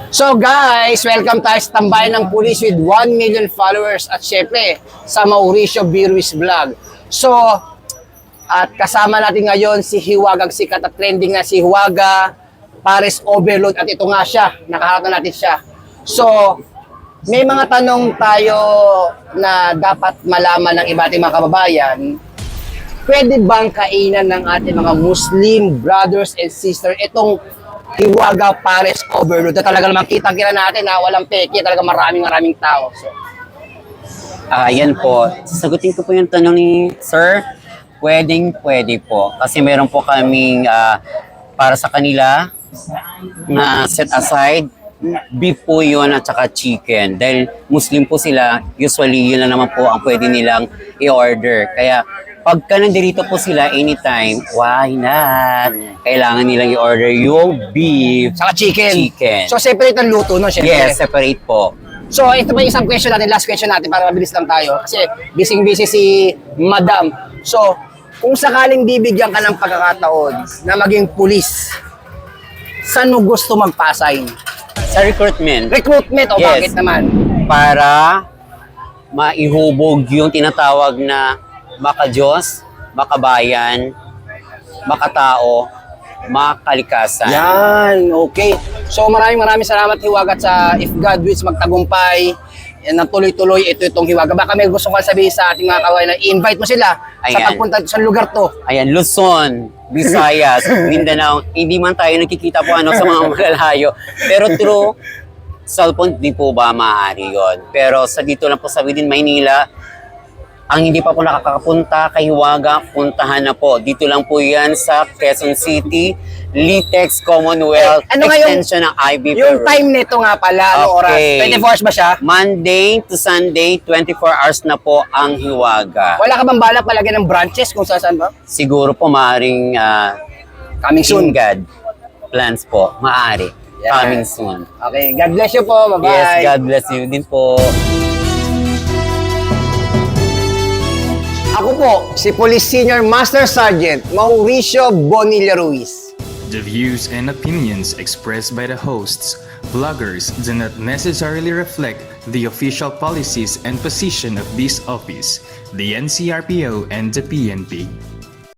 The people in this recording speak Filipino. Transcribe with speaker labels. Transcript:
Speaker 1: So guys, welcome tayo sa tambayan ng pulis with 1 million followers at syempre sa Mauricio Birwis Vlog. So, at kasama natin ngayon si Hiwagang sikat at trending na si Hiwaga Pares Overload at ito nga siya, nakaharap na natin siya. So, may mga tanong tayo na dapat malaman ng iba't ibang mga kababayan. Pwede bang kainan ng ating mga Muslim brothers and sisters itong Hiwaga Pares Overload na talaga naman kitang-kita natin na walang peke, talaga maraming tao. So,
Speaker 2: Yan po. Sagutin ko po yung tanong ni Sir. Pwede po. Kasi meron po kaming para sa kanila na set aside. Beef po yun at saka chicken. Dahil Muslim po sila, usually yun lang naman po ang pwede nilang i-order. Kaya pagka nandito po sila anytime, why not? Kailangan nilang i-order yung beef.
Speaker 1: saka chicken.
Speaker 2: Chicken.
Speaker 1: So, separate ang luto, no? Syempre.
Speaker 2: Yes, separate po.
Speaker 1: So, ito pa yung isang question natin, last question natin para mabilis lang tayo. Kasi busy si Madam. So, kung sakaling bibigyan ka ng pagkakataon na maging pulis, saan mo gusto magpa-assign?
Speaker 2: Sa recruitment.
Speaker 1: Recruitment o
Speaker 2: Yes.
Speaker 1: bakit naman?
Speaker 2: Para maihubog yung tinatawag na maka-Diyos, makabayan, makatao, makalikasan.
Speaker 1: Yan, okay. So maraming salamat Hiwaga at sa If God Wills magtagumpay, na tuloy-tuloy itong Hiwaga. Baka may gusto kang sabihin sa ating mga kawain na i-invite mo sila sa
Speaker 2: Ayan.
Speaker 1: pagpunta sa lugar to.
Speaker 2: Ayan, Luzon, Visayas, Mindanao. Hindi man tayo nakikita po sa mga malalayo. Pero through cellphone, di po ba maaari yun? Pero sa dito lang po sa within Maynila, ang hindi pa po nakakapunta kay Hiwaga, puntahan na po. Dito lang po yan sa Quezon City, Litex Commonwealth,
Speaker 1: Ano nga
Speaker 2: extension ng IB
Speaker 1: Yung time nito nga pala, ano oras?
Speaker 2: Okay.
Speaker 1: 24 hours ba siya?
Speaker 2: Monday to Sunday, 24 hours na po ang Hiwaga.
Speaker 1: Wala ka bang balak palagyan ng branches kung saan ba?
Speaker 2: Siguro po maaaring
Speaker 1: Coming soon.
Speaker 2: God plans po. Maaari.
Speaker 1: Yan.
Speaker 2: Coming soon.
Speaker 1: Okay, God bless you po. Bye-bye.
Speaker 2: Yes, God bless you din po.
Speaker 1: Ako po, si Police Senior Master Sergeant Mauricio Bonilla Ruiz.
Speaker 3: The views and opinions expressed by the hosts, bloggers do not necessarily reflect the official policies and position of this office, the NCRPO, and the PNP.